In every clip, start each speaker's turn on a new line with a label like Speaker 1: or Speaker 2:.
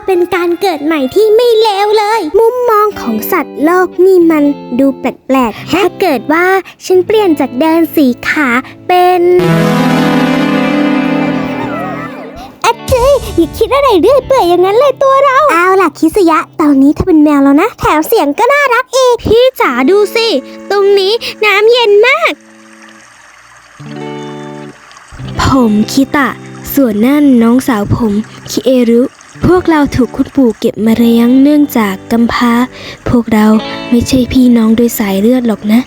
Speaker 1: เป็นการเกิดใหม่ที่ไม่เลวเลย มุมมองของสัตว์โลกนี่มันดูแปลกๆถ้าเกิดว่าฉันเปลี่ยนจากเดิน4 ขาเป็นอย่าคิดอะไรเรื่อยเปื่อยอย่างนั้นเลยตัวเราเอาล่ะคิสยะตอนนี้เธอเป็นแมวแล้วนะแถมเสียงก็น่ารักอีกพี่จ๋าดูสิตรงนี้น้ำเย็นมากผมคิตะส่วนนั่นน้องสาวผมคิเอรุพวกเราถูกคุณปู่เก็บมาเลี้ยงเนื่องจากกำพร้าพวกเราไม่ใช่พี่น้องโดยสายเลือดหรอกนะ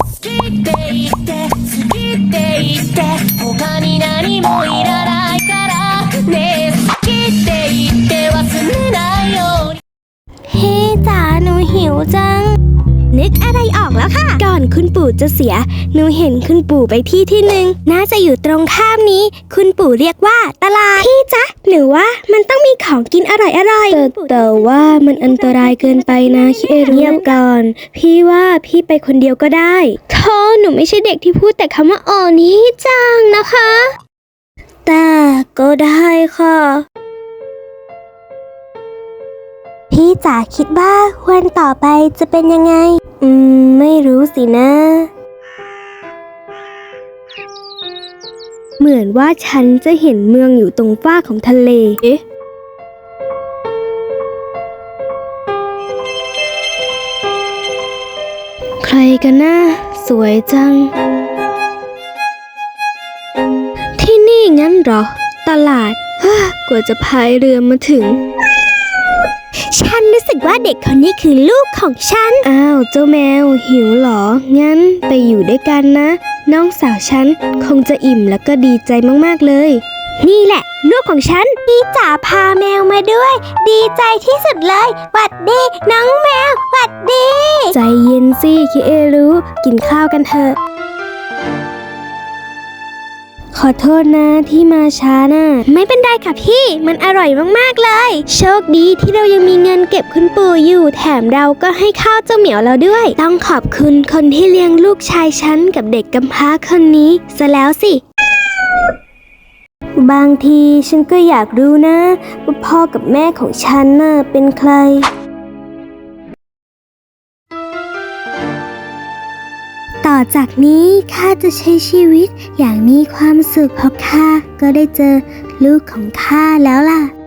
Speaker 1: พี่จ๋าหนูหิวจังนึกอะไรออกแล้วค่ะก่อนคุณปู่จะเสียหนูเห็นคุณปู่ไปที่หนึ่งน่าจะอยู่ตรงข้ามนี้คุณปู่เรียกว่าตลาดพี่จ๊ะหรือว่ามันต้องมีของกินอร่อยแต่ว่ามันอันตรายเกินไปนะคิเอรุเงียบก่อนพี่ว่าพี่ไปคนเดียวก็ได้โธ่หนูไม่ใช่เด็กที่พูดแต่คำว่าอ๋อนี้จังนะคะแต่ก็ได้ค่ะพี่จ๋าคิดว่าวันต่อไปจะเป็นยังไงไม่รู้สินะเหมือนว่าฉันจะเห็นเมืองอยู่ตรงฝ้าของทะเลเอ๊ะใครกันนะสวยจังที่นี่งั้นเหรอตลาดกว่าจะพายเรือมาถึงฉันรู้สึกว่าเด็กคนนี้คือลูกของฉันอ้าวเจ้าแมวหิวเหรองั้นไปอยู่ด้วยกันนะน้องสาวฉันคงจะอิ่มแล้วก็ดีใจมากๆเลยนี่แหละลูกของฉันพี่จ๋าพาแมวมาด้วยดีใจที่สุดเลยหวัดดีน้องแมวหวัดดีใจเย็นสิคิเอรุกินข้าวกันเถอะขอโทษนะที่มาช้านะไม่เป็นไรค่ะพี่มันอร่อยมากๆเลยโชคดีที่เรายังมีเงินเก็บคุณปู่อยู่แถมเราก็ให้ข้าวเจ้าเหมียวเราด้วยต้องขอบคุณคนที่เลี้ยงลูกชายฉันกับเด็กกำพร้าคนนี้ซะแล้วสิบางทีฉันก็อยากรู้นะว่าพ่อกับแม่ของฉันน่ะเป็นใครต่อจากนี้ข้าจะใช้ชีวิตอย่างมีความสุขเพราะข้าก็ได้เจอลูกของข้าแล้วล่ะ